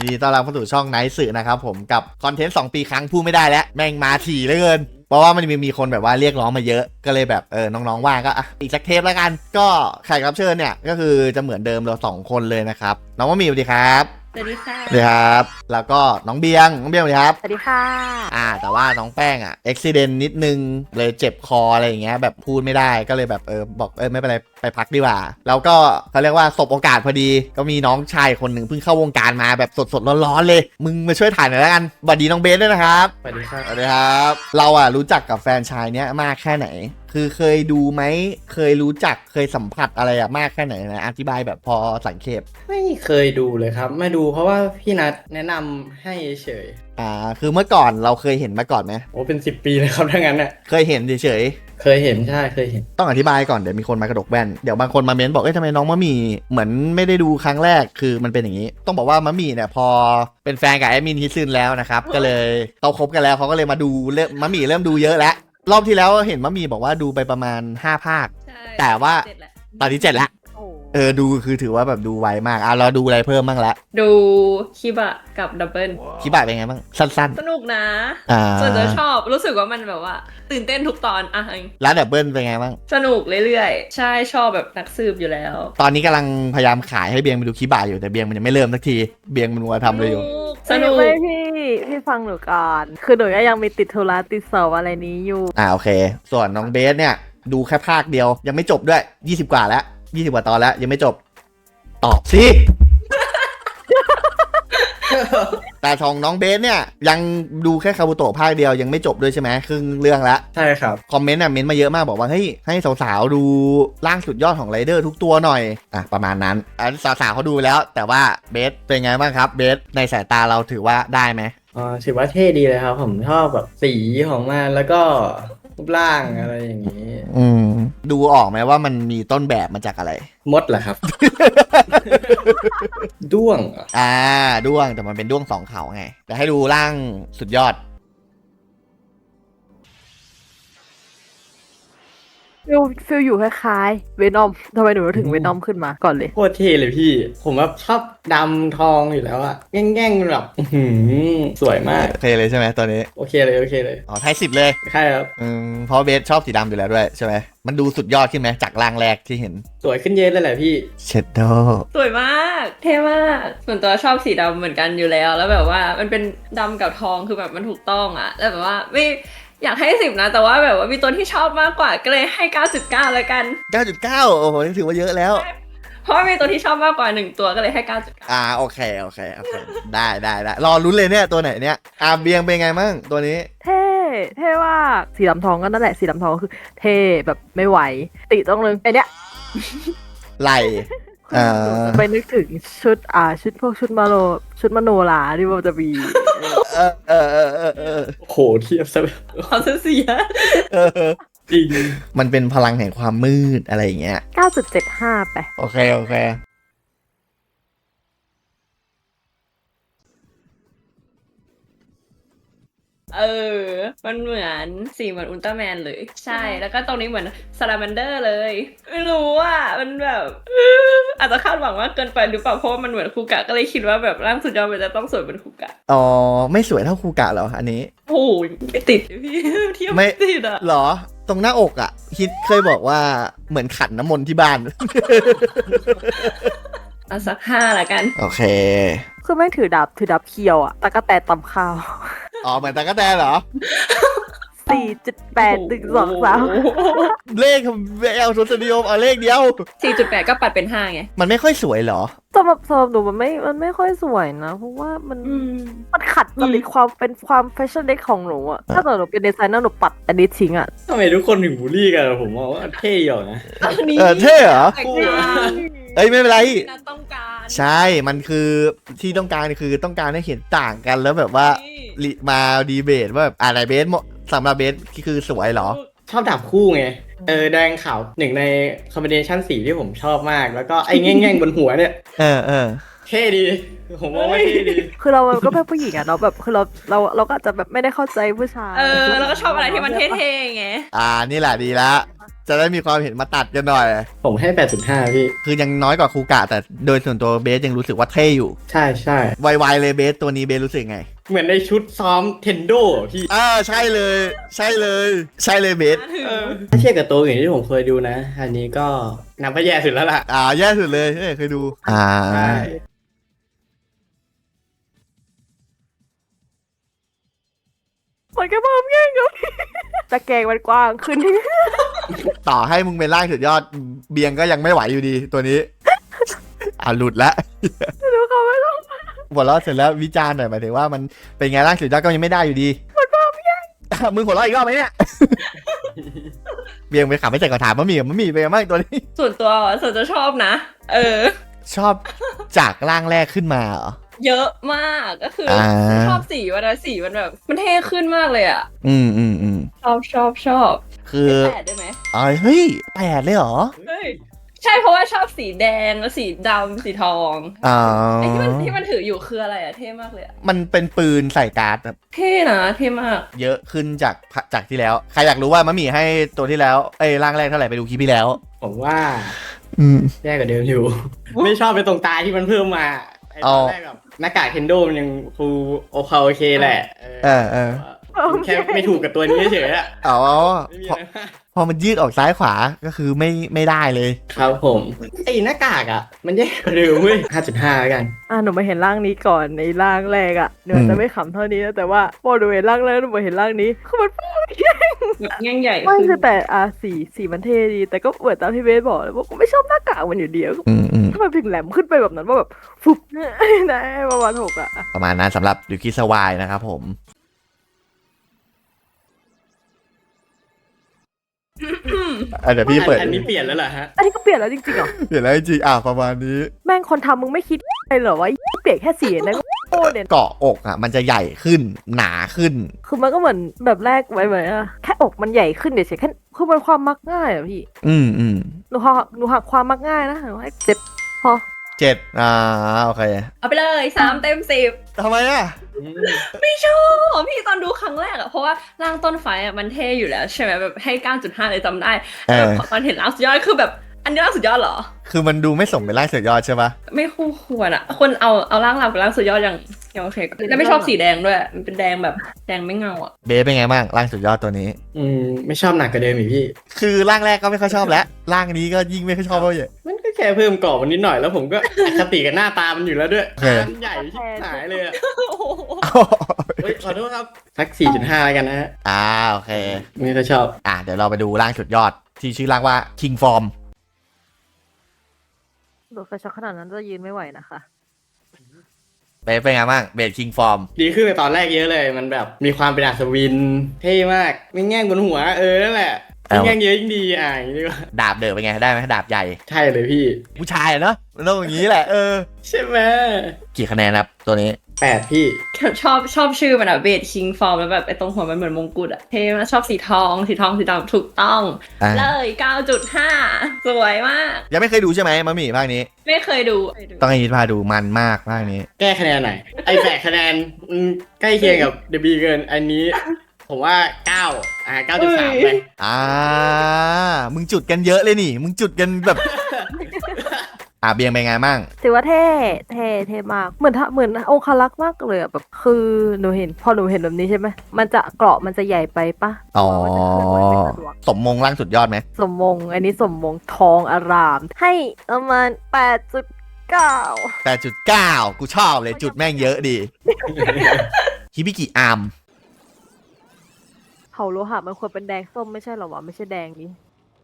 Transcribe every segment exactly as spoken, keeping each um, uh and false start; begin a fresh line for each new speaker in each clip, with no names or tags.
ดีต้อนรับเข้าสู่ช่องไนท์สื่อนะครับผมกับคอนเทนต์สองปีครั้งพูดไม่ได้แล้วแม่งมาถี่เหลือเกินเพราะว่ามันมีมีคนแบบว่าเรียกร้องมาเยอะก็เลยแบบเออน้องๆว่างก็อ่ะอีกสักเทปแล้วกันก็แขกรับเชิญเนี่ยก็คือจะเหมือนเดิมเราสองคนเลยนะครับน้องมะหมี่สวัสดีครับ
สวัสดีค่ะ
สวัสดีครับแล้วก็น้องเบียงน้องเบียงสวัสดีครับ
สวัสดีค่ะ
อ่าแต่ว่าน้องแป้งอ่ะอุบิเหตุนิดนึงเลยเจ็บคออะไรอย่างเงี้ยแบบพูดไม่ได้ก็เลยแบบเออบอกเออไม่เป็นไรไปพักดีกว่าแล้วก็เขาเรียกว่าสบโอกาสพอดีก็มีน้องชายคนหนึ่งเพิ่งเข้าวงการมาแบบสดๆร้อนๆเลยมึงมาช่วยถ่ายหน่อยแล้วกันสวัสดีน้องเบสด้วยนะครับ
สวัสดีครับ
สวัสดีครับเราอ่ะรู้จักกับแฟนชายเนี้ยมากแค่ไหนคือเคยดูไหมเคยรู้จักเคยสัมผัสอะไรอะมากแค่ไหนนะอธิบายแบบพอสังเขป
ไม่เคยดูเลยครับไม่ดูเพราะว่าพี่นัทแนะนำให้เฉย
อ่าคือเมื่อก่อนเราเคยเห็นมาก่อนไหม
โอ้เป็นสิบปีเลยครับถ้างั้นน่ะ
เคยเห็นเฉย
เคยเห็นใช่เคยเห็น
ต้องอธิบายก่อนเดี๋ยวมีคนมากระดกแว่นเดี๋ยวบางคนมาเม้นบอกเอ้ยทำไมน้องมะหมี่เหมือนไม่ได้ดูครั้งแรกคือมันเป็นอย่างนี้ต้องบอกว่ามะหมี่เนี่ยพอเป็นแฟนกับแอดมินฮิซึนแล้วนะครับก็เลยเขาคบกันแล้วเขาก็เลยมาดูเริ่มมะหมี่เริ่มดูเยอะแล้วรอบที่แล้วเห็นมะหมี่บอกว่าดูไปประมาณห้าภาคแต่ว่าตอนนี้เจ็ดแล้วเออดูคือถือว่าแบบดูไวมากอ่ะเราดูอะไรเพิ่มบ้างละ
ดูคิบะกับดับเบิล
คิบะเป็นไงบ้างสั้น
ๆสนุกนะ
อ่า
ส่วนตัวชอบรู้สึกว่ามันแบบว่าตื่นเต้นทุกตอนอ่ะ
แล้วดับเบิลเป็นไงบ้าง
สนุกเรื่อยๆใช่ชอบแบบนักสืบอยู่แล้ว
ตอนนี้กำลังพยายามขายให้เบียงไปดูคิบะอยู่แต่เบียงมันยังไม่เริ่มสักทีเบียงมันมัวทำเลยอยู่
สนุก
ไม่พี่พี่ฟังหนูก่อนคือหนูก็ยังมีติดธุระติดสอบอะไรนี้อยู่
อ่าโอเคส่วนน้องเบสเนี่ยดูแค่ภาคเดียวยังไม่จบด้วยยี่สิบกว่าแล้วยี่สิบกว่าตอนแล้วยังไม่จบตอบสิ แต่ของน้องเบสเนี่ยยังดูแค่คาบุโตะภาคเดียวยังไม่จบด้วยใช่ไหมครึ่งเรื่องแล้ว
ใช่ครับ
คอมเมนต์อ่ะเมนต์มาเยอะมากบอกว่าเฮ้ยให้สาวๆดูร่างสุดยอดของไรเดอร์ทุกตัวหน่อยอ่ะประมาณนั้นอ่ะสาวๆเขาดูแล้วแต่ว่าเบสเป็นไงบ้างครับเบสในสายตาเราถือว่าได้ไหม
อ๋อถือว่าเท่ดีเลยครับผมชอบแบบสีของมันแล้วก็รูปร่างอะไรอย่างนี้
อืมดูออกไหมว่ามันมีต้นแบบมาจากอะไร
มดเหรอครับ ด้วง
อ่าด้วงแต่มันเป็นด้วงสองเขาไงแต่ให้ดูร่างสุดยอด
ฟิลฟิลอยู่คล้ายๆเวนอมทำไมหนูถึงเวนอมขึ้นมาก่อนเลย
โคตรเท่เลยพี่ผมว่าชอบดำทองอยู่แล้วอะแง่งๆแบบสวยมาก
โอเคเลยใช่ไหมตัวนี้
โอเคเลยโอเคเลย
อ๋อให้สิบเลย
ใช่ครับ
อืมเพราะเบสชอบสีดำอยู่แล้วด้วยใช่ไหมมันดูสุดยอดขึ้นไหมจากร่างแรกที่เห็น
สวยขึ้นเยอะเลยแหละพี่
เชดโด
สวยมากเท่มากส่วนตัวชอบสีดำเหมือนกันอยู่แล้วแล้วแบบว่ามันเป็นดำกับทองคือแบบมันถูกต้องอะแล้วแบบว่าไม่อยากให้สิบนะแต่ว่าแบบว่ามีตัวที่ชอบมากกว่าก็เลยให้ เก้าจุดเก้า แล้วกัน
เก้าจุดเก้า โอ้โหถือว่าเยอะแล้ว
เพราะมีตัวที่ชอบมากกว่าหนึ่งตัวก็เลยให้ เก้าจุดเก้า
อ่าโอเคโอเคโอเคได้ได้ได้รอลุ้นเลยเนี่ยตัวไหนเนี่ยอาเบียงเป็นไงมั่งตัวนี้
เท่เท่ว่าสีดำทองก็นั่นแหละสีดำทองก็คือเท่แบบไม่ไหวติต้องนึงไอเนี้ย
ไหล
ไปนึกถึงชุดอ่าชุดพวกชุดมาโนชุดมโนราที่มันจะมี
เออเออเออเออเออ
โหเทียบซะ
เขาเสีย
จริง
มันเป็นพลังแห่งความมืดอะไรอย่างเงี้ย
เก้าจุดเจ็ดห้า ไป
โอเคโอเค
เออมันเหมือนสีเหมือนอุลตร้าแมนเลยใช่แล้วก็ตรงนี้เหมือนซาลาแมนเดอร์เลยไม่รู้อ่ะมันแบบอาจจะคาดหวังมากเกินไปหรือเปล่าเพราะมันเหมือนคูกะก็เลยคิดว่าแบบร่างสุดยอดมันจะต้องสวยเป็นคูกะ
อ๋อไม่สวยเท่าคูกะเหรออันนี้
โอ้ยไม่ติดพี่เทียบไม่ติดอ่ะ
หรอตรงหน้าอกอ่ะฮิตเคยบอกว่าเหมือนขันน้ำมนต์ที่บ้าน
เอาสักห้าละกัน
โอเค
คือไม่ถือดับถือดับเคียวอ่ะตะกะแตนตำข้าว
อ๋อเหมือนตะกะแตนเหรอ
สี่จุดแปด หนึ่ง สอง สาม
เลขเอลทศนิยมเอาเลขเดียว
สี่จุดแปด ก็ปัดเป็นห้าไง
มันไม่ค่อยสวยเหรอ
สำหรับสำหรับหนูมันไม่มันไม่ค่อยสวยนะเพราะว่ามันมันขัดจริตความเป็นความแฟชั่นเด็กของหนูอะถ้าเกิดหนูเป็นดีไซเนอร์หนูปัดอันนี้ทิ้งอะ
ทำไมทุกคนถึงบูลลี่กันผมว่าเท่อยู่นะ
เออเท่เหรอเอ้ยไม่เป็นไร
ต้องการ
ใช่มันคือที่ต้องการคือต้องการให้เห็นต่างกันแล้วแบบว่ามาดีเบตว่าแบบอะไรเบสสำหรับเบสคือสวยเหรอ
ชอบดาบคู่ไงเออแดงขาวหนึ่งในคอมบิเนชันสีที่ผมชอบมากแล้วก็ไอ้แง่งๆบนหัวเนี่ย
เออเออ
เท่ดีผมว่าเท่ดี
คือเราก็เป็นผู้หญิงอะเนาะแบบคือเราเราเราก็อาจจะแบบไม่ได้เข้าใจผู้ชาย
เออเราก็ชอบอะไรที่มันเท่ๆไง
อ่านี่แหละดีละจะได้มีความเห็นมาตัดกันหน่อย
ผมให้ แปดจุดห้า พี่
คือยังน้อยกว่าคูกะแต่โดยส่วนตัวเบสยังรู้สึกว่าเท่อยู่
ใช่ใช่
ไวๆเลยเบสตัวนี้เบสรู้สึกไง
เหมือนในชุดซ้อมเทนโดพี่
อ่าใช่เลย ใช่เลย ใช่เลยเบส
เออถ้าเทียบกับตัวอื่นที่ผมเคยดูนะ อันนี้ก็นับว่าแย่สุดแล้วล่ะ
อ่าแย่สุดเลยเฮ้ยเคยดู อ่า
ใช่
มันก็เพิ่มแย่งกับ จะแกงมันกว้างขึ้น
ต่อให้มึงเป็นร่างสุดยอดเบียงก็ยังไม่ไหวอยู่ดีตัวนี้ อ่าหลุดละ
ดูเขาไม่ต้อง
หัวเราะเสร็จแล้ววิจารณ์หน่อยหมายถึงว่ามันเป็นไงร่างสุดยอดก็ยังไม่ได้อยู่ดีมันบ้าไม่ยังมึงหัวเราะอีกรอบไหมเนี่ย เบียงไปขับไม่ใส่กระถางมะหมี่กับมะหมี่ไปนไงบ้างตัวนี้
ส่วนตัวส่วนจะชอบนะ เออ
ชอบจากร่างแรกขึ้นมาเหรอ
เยอะมากก็คืออา ชอบสีมันนะสีมันแบบ มันเท่ขึ้นมากเลยอ่ะ
อืมอืมอืม
ชอบชอบชอบ
คือ
แปดได้ไหม
อ๋อเฮ้ยแปดเลยเหรอ
เฮ้ยใช่เพราะว่าชอบสีแดงแล้วสีดำสีทอง
อ๋อ
ไอ้ที่มันที่มันถืออยู่คืออะไรอะเท่มากเลยอะ
มันเป็นปืนใส่การ์ดแบบ
เท่นะเท่มาก
เยอะขึ้นจากจากที่แล้ว ใครอยากรู้ว่ามะหมี่ให้ตัวที่แล้วเอ้ยร่างแรกเท่าไหร่ไปดูคลิปที่แล้ว
ผมว่า
อืม
แย่กว่าเดิมอยู่ ไม่ชอบไปตรงตาที่มันเพิ่มมาไอ้ต
อ๋
อ
อ
นแรกแบบหน้ากากเทนโดมันยังฟูโอเคโอเคแหละ
เออเออ
ผมแค่ไม่ถูกกับตัวนี้เฉยๆอะ
อ๋อ
ไม่มี
พอ
อะไรมาก
พอมันยืดออกซ้ายขวาก็คือไม่ไม่ได้เลย
ครับผมไอ้หน้ากากอ่ะ มันแย่กว่าเดิมเว้ย ห้าจุดห้า แล้วกัน
อ่ะหนูมาเห็นร่างนี้ก่อนในร่างแรกอ่ะหนูอาจจะไม่ขำเท่านี้นะแต่ว่าพอหนูเห็นร่างแรกหนูมาเห็นร่างนี้คือมัน
แบบแง่งใหญ่
ไม่
ขึ้น
คือแต่อ่ะสีสีมันเท่ดี แต่ก็เหมือนตามที่เบสบอกเลยว่ากูไม่ชอบหน้ากากมันอยู่เดียว
อืมอืม
ถ้ามันถึงแหลมขึ้นไปแบบนั้นว่าแบบฟุบ นะประมาณหกอ่ะ
ประมาณนั้นสำหรับยูกิสวายนะครับผม อ่ะเดี๋ยวพี่เปิด
อันนี้เปลี่ยนแล้วเหรอฮะ
อันนี้ก็เปลี่ยนแล้วจริงๆเหรอ
เดี๋ยวแล้วจริงๆอ่ะประมาณนี้
แม่งคนทำมึงไม่คิดเลยเหรอว่าเปลี่ยนแค่สีนะโอ้เนี่ย
เกาะอกอ่ะ มันจะใหญ่ขึ้นหนาขึ้น
คือมันก็เหมือนแบบแรกไว้เหมือนอะแค่อกมันใหญ่ขึ้นเดี๋ยวเฉยแค่คือมันความมักง่ายอะพี่
อืมอืม
หนูหักหนูหักความมักง่ายนะหนูให้เจ็ดพอ
เจ็ดอ่าโอเค
เอาไปเลยสามเต็มสิบ
ทำไมอ่ะ
ไม่ชอบพี่ตอนดูครั้งแรกอะเพราะว่าร่างต้นไฟอะมันเท่อยู่แล้วใช่ไหมแบบให้ เก้าจุดห้า เลยจำได้
เออ
แบบตอนเห็นร่างสุดยอดคือแบบอันนี้ร่างสุดยอดเหรอ
คือมันดูไม่สมเป็นร่างสุดยอดใช่ปะ
ไม่คู่ควรอะคนเอาเอาร่างเรากับร่างสุดยอดยังยังโอเคแล้วไม่ชอบสีแดงด้วยมันเป็นแดงแบบแดงไม่เงาอะ
เบสเป็นไงบ้างร่างสุดยอดตัวนี้
อืม ไม่ชอบหนักกว่าเดิมอีกพี่
คือร่างแรกก็ไม่ค่อยชอบแล้วร่างนี้ก็ยิ่งไม่ค่อยชอบเลย
มันก็แค่เพิ่มกรอบมันนิดหน่อยแล้วผมก็ อคติกับหน้าตามันอยู่แล้วด้วย
โอเค
ตามันใหญ่ชิบหายเลยอะ
โอ้โห
เฮ้ยขอโทษครับสัก สี่จุดห้า แล้วกันนะฮะ
อ่าโอเค
ไม่ค่อยชอบ
อ่ะเดี๋ยวเราไปดูร่างสุดยอด ที่ชื่อร่างว่า King Form
โดดไฟช็อตขนาดนั้นจะยืนไม่ไหวนะคะ
เบสเป็นไงบ้างเบส King Form
ดีขึ้นในตอนแรกเยอะเลย มันแบบมีความเป็นอัศวิน เท่มากไม่แง่งบนหัว เออ นั่นแหละ
เอ้า
ไม่แง่งเยอะยิ่งดี อ่ะอย่างนี้ดีกว่า
ดาบเดินเป็นไงได้ไหมดาบใหญ่
ใช่เลยพี่
ผู้ชายอะเนาะมันต้องอย่างนี้แหละเออ
ใช่ไหม
กี่คะแนนครับตัวนี้
แปดพี่
ชอบชอบชื่อมันอะเบดคิงฟอร์มแล้วแบบไอ้ตรงหัวมันเหมือนมงกุฎอะเท่มากชอบสีทองสีทองสีดำถูกต้อง
อ่า
เลย เก้าจุดห้า สวยมาก
ยังไม่เคยดูใช่ไหมมะหมี่ภาคนี้
ไม่เคยดู
ต้องให้ยินพาดูมันมากภาคนี้
แก้คะแนนหน่อยไอ้แปดคะแนนอืมใกล้เคียงกับเดบีเกิน อันนี้ ผมว่าเก้าอ่าเก้าจุดสามไป
อ่า มึงจุดกันเยอะเลยนี่ มึงจุดกันแบบ อ่าเบียงเป็นไงบ้าง
ถือว่าเท่เท่เท่มากเหมือนถ้าเหมือนองคลักษ์มากเลยอะแบบคือหนูเห็นพอหนูเห็นแบบนี้ใช่ไหมมันจะเกราะมันจะใหญ่ไปปะ
อ๋อ
มันจะเคลื่อนไหวไม่สะดวก
สมมงร่างสุดยอดไหม
สมมงอันนี้สมมงทองอาราม ให้ประมาณแปดจุดเก้า
แปดจุดเก้ากูชอบเลยจุดแม่งเยอะดี ฮิบิกิอาร์ม
เผาโลหะมันควรเป็นแดงส้มไม่ใช่เหรอวะไม่ใช่แดงนี้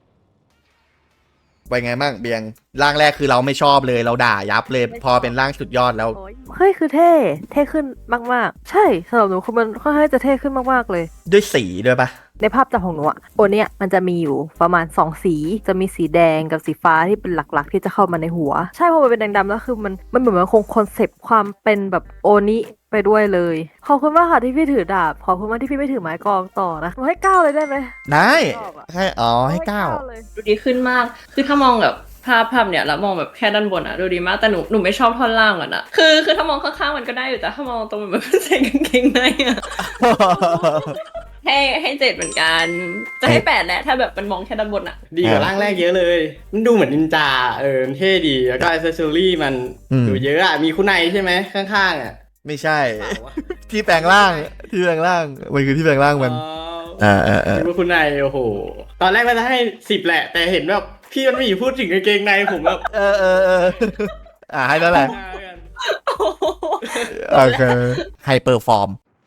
เป็นไงบ้างเบียง ร่างแรกคือเราไม่ชอบเลยเราด่ายับเลย พอเป็นร่างสุดยอดแล้ว
เฮ้ยคือเท่เท่ขึ้นมากๆ ใช่สำหรับหนูคือมันค่อนข้างจะเท่ขึ้นมากๆเลย
ด้วยสีด้วยปะ
ในภาพจำของหนูอะโอเนี้ยมันจะมีอยู่ประมาณสองสีจะมีสีแดงกับสีฟ้าที่เป็นหลักๆ ที่จะเข้ามาในหัว ใช่เพราะมันเป็นแดงดำแล้วคือมันมันเหมือนมันคงคอนเซปต์ความเป็นแบบโอนิไปด้วยเลยขอบคุณมากค่ะที่พี่ถือดาบขอบคุณมากที่พี่ไม่ถือไม้กลองต่อนะหนูให้เก้าเลยได้ไหม
ได้
ชอบอะ
ให้อ๋อให้เก้า
เลย
ดูดีขึ้นมาก คือถ้ามองแบบภาพภาพเนี่ยแล้วมองแบบแค่ด้านบนอะดูดีมาก แต่หนูหนูไม่ชอบท่อนล่างอะนะ คือคือถ้ามองข้างๆมันก็ได้อยู่ แต่ถ้ามองตรงมันเหมือนใส่กางเกงในอะให้ให้เจ็ดเหมือนกัน จะให้แปดแหละถ้าแบบมันมองแค่ด้านบนอะ
ดีกว่าร่างแรกเยอะเลย มันดูเหมือนนินจาเออเท่ดีแล้วก็อ c เซสซอรี่มัน
อืม
ดูเยอะอ่ะมีคุณนายใช่ไหมข้างๆอ่ะ
ไม่ใช่
เปล่าวะ
ที่แปลงร่างที่แปลงร่างมันคือที่แปลงร่างมัน
อ๋อ
อ่าอ่าอ่า
คิดว่าคุณนายโอ้โห ตอนแรกว่าจะให้สิบแหละ แต่เห็นแบบพี่มันไม่อยู่พูดถึงกางเกงในผมแบบ
เออเออเอออ่าให้แล้วแหละ
ห้าแล้วกัน
โอ้โห
โอเคไฮเปอร์ฟอร์ม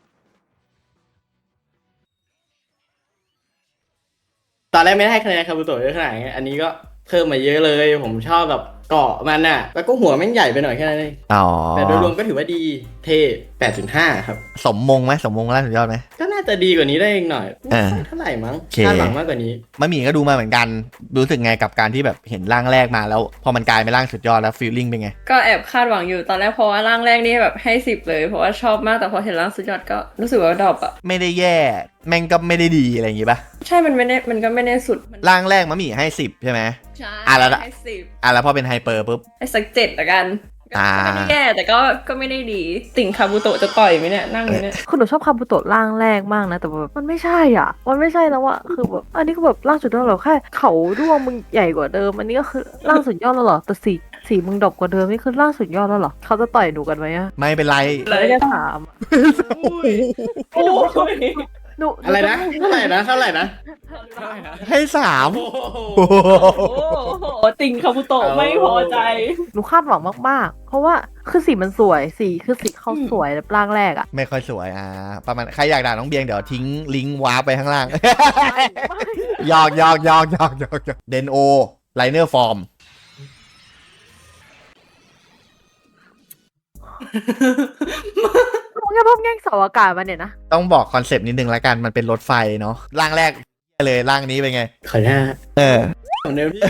ตอนแรกไม่ได้ให้คะแนนคาบุโตะเยอะขนาดนี้อันนี้ก็เพิ่มมาเยอะเลย ผมชอบแบบเกาะมันน่ะ แล้วก็หัวแม่งใหญ่ไปหน่อยแค่นั้นเอง
อ๋อ
แต่โดยรวมก็ถือว่าดีเท่ แปดจุดห้า ครับ
สมมงไหมสมมงล่าสุดยอดไหม
ก็น่าจะดีกว่านี้ได้อีกหน่อย
เออ
ไม่เท่าไหร่มั้ง
โอเค
คาดหวังมากกว่านี้
มะหมี่ก็ดูมาเหมือนกัน รู้สึกไงกับการที่แบบเห็นร่างแรกมาแล้ว พอมันกลายเป็นร่างสุดยอดแล้วฟีลลิ่งเป็นไง
ก็แอบคาดหวังอยู่ตอนแรกเพราะว่าร่างแรกนี่แบบให้สิบเลย เพราะว่าชอบมากแต่พอเห็นร่างสุดยอดก็รู้สึกว่าดรอปอะ
ไม่ได้แย่ แม่งก็ไม่ได้ดีอะไรอย่างงี้ป่ะ
ใช่มันไม่ได้มันก็ไม่ได้สุดมัน
ร่างแรกมะหมี่ให้สิบใช่ไหม
ใช่
อ่ะแล้ว
ให้สิบ
อ่ะแล้วพอเป็นไฮเปอร์ปุ๊บ
ให้สักเจ็ดละกันก็
อ่า
ก็ไม่ได้แย่แต่ก็ก็ไม่ได้ดี ติ่งคาบุโตะจะต่อยไหมเนี่ยนั่งอยู่เนี่ย
คือหนูชอบคาบุโตะร่างแรกมากนะ แต่แบบมันไม่ใช่อ่ะ มันไม่ใช่แล้วอะคือแบบอันนี้ก็แบบร่างสุดยอดหรอแค่เขาด้วงมึงใหญ่กว่าเดิม อันนี้ก็คือร่างสุดยอดแล้วเหรอแต่สีสีมึงดรอปกว่าเดิมนี่คือร่างสุดยอดแล้วเหรอเขาจะต่อยหนูกันไหมอะ
ไม่เป็นไร
เลย
ไม่ได้ถาม
โอ้ย
หนูห
อะไรนะ เท่าไหร่นะ เท่าไหร่นะ
ให้สาม
โอ้โห
โอ้โห
โอ้โหติ่งคาบุโตะไม่พอใจ
หนูคาดหวังมากๆ เพราะว่าคือสีมันสวยสีคือสีเขาสวยแบบร่างแรกอะ
ไม่ค่อยสวยอ่าประมาณใครอยากด่าน้องเบียงเดี๋ยวทิ้งลิงก์วาร์ปไปข้างล่าง หยอกหยอกหยอกหยอกหยอกเดนโอไลเนอร์ฟอร์ม
หนูแค่พบแง่งเสาอากาศมาเนี่ยนะ
ต้องบอกคอนเซปต์นิดนึงแล้วกันมันเป็นรถไฟเนาะร่างแรกเลยร่างนี้เป็นไง
ขอหน้า
เออ
ของเนวพี่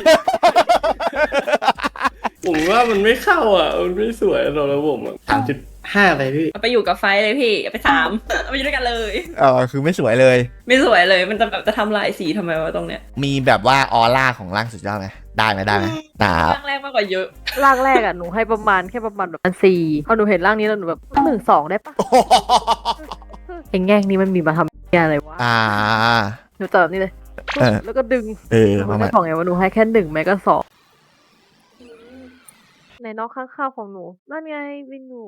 ผมว่ามันไม่เข้าอ่ะ มันไม่สวยสำหรับผมสามจุดห้าไปพี่
เอาไปอยู่กับไฟเลยพี่เอาไปสามเอาไปอยู่ด้วยกันเลย
เออคือไม่สวยเลย
ไม่สวยเลยมันจะแบบจะทำลายสีทำไมวะตรงเนี้ย
มีแบบว่าออร่าของร่างสุดยอดไหมได้ไหมได้ไหมตา
ร่างแรกมากกว่าเยอะ
ร่างแรกอะหนูให้ประมาณแค่ประมาณแบบสี่พอหนูเห็นร่างนี้แล้วหนูแบบหนึ่งสองได้ปะไอ้แง่งนี้มันมีมาทำอะไรวะ
อ่า
หนูจับแบบนี้เลย
เออ
แล้วก็ดึง
เออ
ห
ป
นู
ระมา
ไม่
ณ
บอกไงว่าหนูให้แค่หนึ่งแม้ก็สองในนอกข้างๆของหนูนั่นไงวินอยู่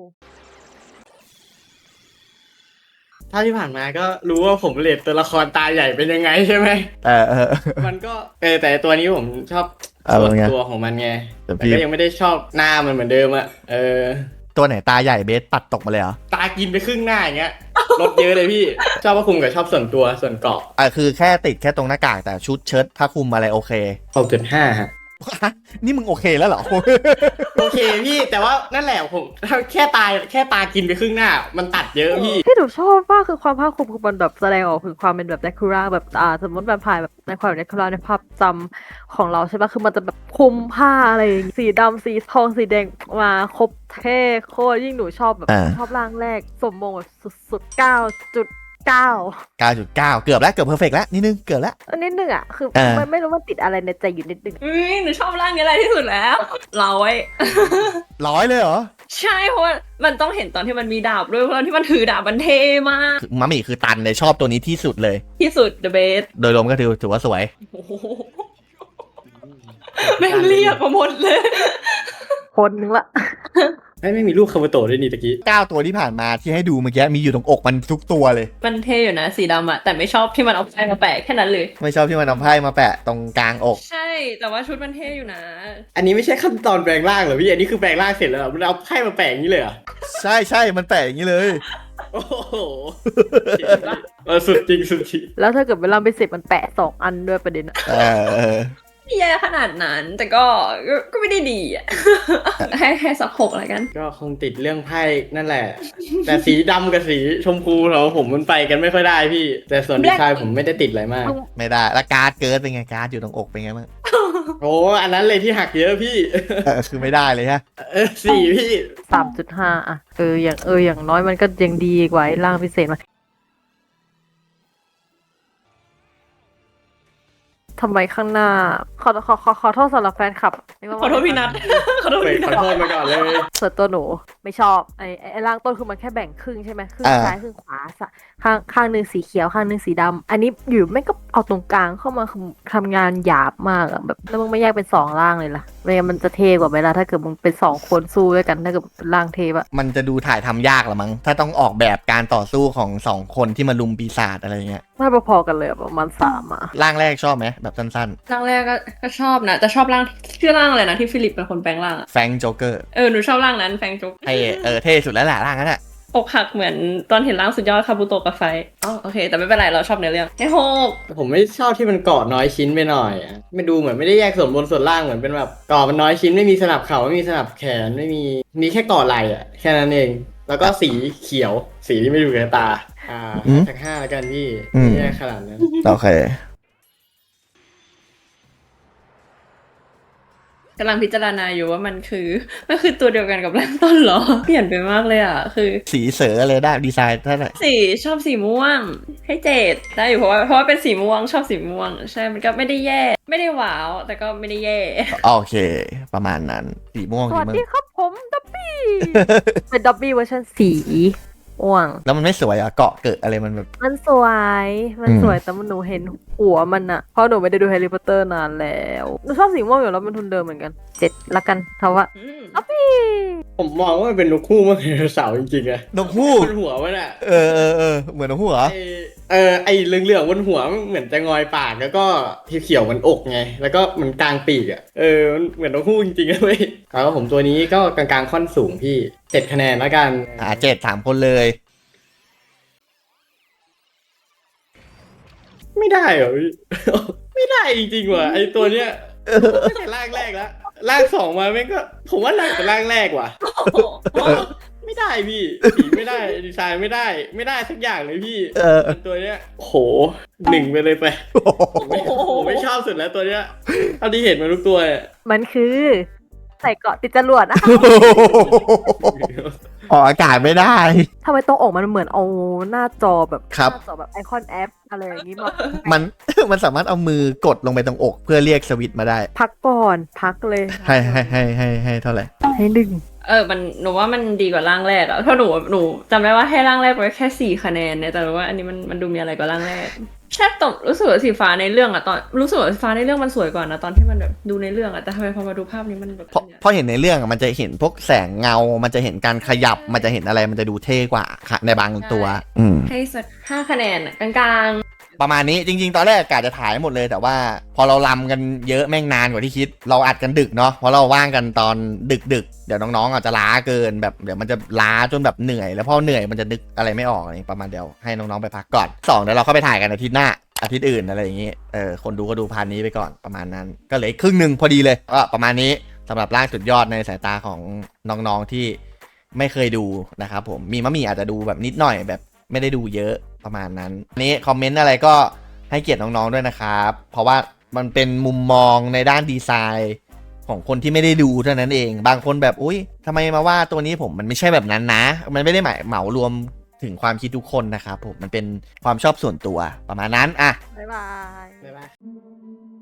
ถ้าที่ผ่านมาก็รู้ว่าผมเลดตัวละครตาใหญ่เป็นยังไงใช่ไหม
เออเออ
มันก็เออแต่ตัวนี้ผมชอบ
เอา
ส่วน
ไง
ตัวของมันไง
แต่
แต่
พี่
ก็ยังไม่ได้ชอบหน้ามันเหมือนเดิมอ่ะ เออ
ตัวไหนตาใหญ่เบสปัดตกมาเลยเหรอ
ตากินไปครึ่งหน้าอย่างเงี้ย ลดเยอะเลยพี่ ชอบผ้าคลุมกับชอบส่วนตัวส่วนเกาะ
อ่ะคือแค่ติดแค่ตรงหน้ากากแต่ชุดเชิ้ตผ้าคลุมอะไรโอเค
หกจุดห้าฮะ
นี่มึงโอเคแล้วเหรอ
โอเคพี่แต่ว่านั่นแหละผมแค่ตาแค่ตากินไปครึ่งหน้า มันตัดเยอะพี่
ที่หนูชอบมากคือความภาคภูมิคือมันแบบแสดงออกถึงความเป็นแบบแดคูราแบบอ่าสมมติแบบถ่ายแบบในความแดคูราในภาพจำของเราใช่ปะคือมันจะแบบคลุมผ้าอะไรอย่างงี้สีดำสีทองสีแดงมาครบเท่โคตรยิ่งหนูชอบแบบ
อ่า
ชอบร่างแรกสมมงแบบสุดๆเก้าจุดเก้า
เก้าจุดเก้า เกือบแล้วเกือบเพอร์เฟกแล้วนิดนึงเกือบแล้ว
อันนิดนึงอ่ะคือ
เออ
มันไม่รู้มันติดอะไรในใจอยู่นิดนึง
อุ้ยหนูชอบร่างนี้อะไรที่สุดแล้วเราไว้
ร้อยเลยเหรอ
ใช่เพราะว่ามันต้องเห็นตอนที่มันมีดาบด้วยเพราะตอนที่มันถือดาบมันเท่มาก
คือมัมมี่คือตันเลยชอบตัวนี้ที่สุดเลย
ที่สุด the best
โดยรวมก็ถือถือว่าสวย
โอ้โหแม่งเรียกมาหมดเลย
คนนึงละ
ไม่ไม่มีรูปคาบุโตะด้วยนี่ตะกี้
เก้าตัวที่ผ่านมาที่ให้ดูเมื่อกี้มีอยู่ตรงอกมันทุกตัวเลย
มันเท่อยู่นะสีดำอะแต่ไม่ชอบที่มันเอาไฟมาแปะแค่นั้นเลย
ไม่ชอบที่มันเอาไพ่มาแปะตรงกลางอก
ใช่แต่ว่าชุดมันเท่อยู่นะ
อันนี้ไม่ใช่ขั้นตอนแปลงร่างเหรอพี่ อันนี้คือแปลงร่างเสร็จแล้วเหรอมันเอาไพ่มาแปะอย่างนี้เลยเหรอ
ใช่ใช่มันแปะอย่างนี้เลย
โอ้โหเออสุดจริงสุดจริง
แล้วถ้าเกิดเวลาไปเสร็จมันแปะสองอันด้วยประเด็นอะ
เออเออ
ไม่แย่ขนาดนั้น แต่ก็ก็ก็ไม่ได้ดีอะ ให้ให้สักหกแล้วกัน
ก็คงติดเรื่องไพ่นั่นแหละ แต่สีดำกับสีชมพูเราผมมันไปกันไม่ค่อยได้พี่ แต่ส่วนดีไซน์ผมไม่ได้ติดอะไรมาก
ไม่ได้แล้วการ์ดเกิร์ดเป็นไงการ์ดอยู่ตรงอกเป็นไงบ้าง
โอ้อันนั้นเลยที่หักเยอะพี่
เออคือไม่ได้เลยฮะ
เออสี่พี่
สามจุดห้าอะเอออย่างเอออย่างน้อยมันก็ยังดีกว่าไอ้ร่างพิเศษมาทำไมข้างหน้าขอขอขอขอโทษสำหรับแฟนคลับนึกว่า
ขอโทษพี่นัท ขอโทษ
เปิด
พี่
ข
นั
อ
ท
โทษมาก่อนเลย
ส่วนตัวหนูไม่ชอบไอ้ไอ้ไอ้ร่างต้นคือมันแค่แบ่งครึ่งใช่ไหมครึ่ง
อ่า
ซ้ายครึ่งขวาสะข้างข้างหนึ่งสีเขียวข้างหนึ่งสีดำอันนี้อยู่ไม่ก็เอาตรงกลางเข้ามาคือทำงานหยาบมากอะแบบแล้วมึงไม่แยกเป็นสองร่างเลยล่ะไม่งั้นมันจะเท่กว่าไหมล่ะถ้าเกิดมึงเป็นสองคนสู้ด้วยกันถ้าเกิดเป็นร่างเทปอะ
มันจะดูถ่ายทำยากละมั้งถ้าต้องออกแบบการต่อสู้ของสองคนที่มาลุมปีศาจอะไรเงี้ย
ไม่พอๆกันเลยอะประมาณสามอะ
ร่างแรกชอบไหมแบบสั้น
ร่างแรกก็ก็ชอบนะแต่ชอบร่างชื่อร่างอะไรนะที่ฟิลิปเป็นคนแปลงร่างอะ
ๆแฟงโจ๊กเกอร์
เออหนูชอบร่างนั้นแฟงจุก
เท่เออเท่สุดแล้วแหละร่างนั้นอะ
อกหักเหมือนตอนเห็นร่างสุดยอดคาบุโตะกับไฟอ๋อโอเค แต่ไม่เป็นไรเราชอบเนื้อเรื่องไอ้โฮก
ผมไม่ชอบที่มันเกาะน้อยชิ้นไปหน่อยอะไม่ดูเหมือนไม่ได้แยกส่วนบนส่วนล่างเหมือนเป็นแบบเกาะมันน้อยชิ้นไม่มีสนับเข่าไม่มีสนับแขนไม่มีมีแค่เกาะไหล่อะแค่นั้นเอง แล้วก็สีเขียวสีที่ไม่ดูกับตาอ่าสักห้าแล้วกันพี่ไม่แยกขนาดนั้น
โอเค
กำลังพิจารณาอยู่ว่ามันคือมันคือตัวเดียวกันกับร่างต้นเหรอ เปลี่ยนไปมากเลยอ่ะคือ
สีเสือเลยได้ดีไซน์ท่านไหน
สีชอบสีม่วงให้เจดได้อยู่เพราะว่าเพราะว่าเป็นสีม่วงชอบสีม่วง ใช่มันก็ไม่ได้แย่ ไม่ได้ว้าว แต่ก็ไม่ได้แย่
โอเค ประมาณนั้นสีม่วง
ส
สี
วัส
ม่วง
ดีครับผมดับบี้ เป็นดับบี้เวอร์ชันสีม่วง
แล้วมันไม่สวยอ่ะเกาะเกิดอะไรมันแบบ
มันสวย มันสวยแต่มันหนูเห็นหัวมันอะเพราะหนูไม่ได้ดูแฮร์รี่พอตเตอร์นานแล้วหนูชอบสีม่วงอยู่แล้วมันทุนเดิมเหมือนกันเจ็ดละกันเพราะว่า
อืม
ดับบี้
ผมมองว่ามันเป็นนกคู่มากเลยเสาร์จริงๆอะ
นกฮูก
บนหัวมันอะ
เออเออเออเหมือนนกฮูกเหรอ
ไอเออไอเหลืองๆบนหัวมันเหมือนจะงอยปากแล้วก็เขียวๆมันอกไง แล้วก็มันกลางปีกอะเออมันเหมือนนกคู่จริงๆนะเว้ยแล้วผมตัวนี้ก็กลางๆค่อนสูงพี่เจ็ดคะแนนแล้วกัน
อ่าเจ็ดสามคนเลย
ไม่ได้เหรอพี่ ไม่ได้จริงๆว่ะไอตัวเนี้ยไม่ใช่ร่างแรกแล้วร่างสองมาแม่งก็ผมว่าหนักกว่าร่างแรกว่ะ
โอ้โห
ไม่ได้พี่สีไม่ได้ดีไซน์ไม่ได้ ไม่ได้สักอย่างเลยพี่
เออ
ตัวเนี้ยโหหนึ่งไปเลยไปผมไม่ผมไม่ชอบสุดแล้วตัวเนี้ยเท่าที่เห็นมาทุกตัวเนี่ย
มันคือใส่เกาะติดจรวดนะ
ออกอากาศไม่ได้
ทำไมตรงอกมันเหมือนเอาหน้าจอแบบ
ครับ
หน้าจอแบบไอคอนแอปอะไรอย่างนี้มา
มัน มันสามารถเอามือกดลงไปตรงอก เพื่อเรียกสวิตช์มาได้
พักก่อนพักเลย
ให้ให้ให้ให้ให้เท่าไหร่
ให้หนึ่ง
เออมันหนูว่ามันดีกว่าร่างแรกอะเพราะหนูหนูจำได้ว่าให้ร่างแรกไว้แค่สี่คะแนนเนี่ยแต่ว่าอันนี้มันมันดูมีอะไรกว่าร่างแรกใช่ตบรู้สึกว่าสีฟ้าในเรื่องอะตอนรู้สึกว่าสีฟ้าในเรื่องมันสวยกว่านะตอนที่มันแบบดูในเรื่องอะแต่ทำไมพอมาดูภาพนี้มันแบบ
เพราะเพราะเห็นในเรื่องอะมันจะเห็นพวกแสงเงา มันจะเห็นการขยับ มันจะเห็นอะไร มันจะดูเท่กว่าค่ะในบางตัว อืม
ให้สักห้าคะแนนอะกลาง
ประมาณนี้จริงๆ ตอนแรกกะจะถ่ายหมดเลยแต่ว่าพอเราลำกันเยอะแม่งนานกว่าที่คิด เราอัดกันดึกเนาะเพราะเราว่างกันตอนดึกๆ เดี๋ยวน้องๆอาจจะล้าเกินแบบเดี๋ยวมันจะล้าจนแบบเหนื่อย แล้วพอเหนื่อยมันจะนึกอะไรไม่ออกอะไรประมาณเดียวให้น้องๆไปพักก่อนสองเดี๋ยวเราเข้าไปถ่ายกันอาทิตย์หน้าอาทิตย์อื่นอะไรอย่างงี้เออคนดูก็ดูพาร์ทนี้ไปก่อนประมาณนั้น ก็เหลืออีกครึ่งหนึ่งพอดีเลยก็ประมาณนี้สำหรับร่างสุดยอดในสายตาของน้องๆที่ไม่เคยดูนะครับผมมีมะหมี่อาจจะดูแบบนิดหน่อยแบบไม่ได้ดูเยอะประมาณนั้นอันนี้คอมเมนต์อะไรก็ให้เกียรติน้องๆด้วยนะครับ เพราะว่ามันเป็นมุมมองในด้านดีไซน์ของคนที่ไม่ได้ดูเท่านั้นเอง บางคนแบบอุ้ยทำไมมาว่าตัวนี้ผมมันไม่ใช่แบบนั้นนะ มันไม่ได้หมายเหมารวมถึงความคิดทุกคนนะครับผมมันเป็นความชอบส่วนตัวประมาณนั้นอ่ะ
บ๊ายบาย
บ๊ายบาย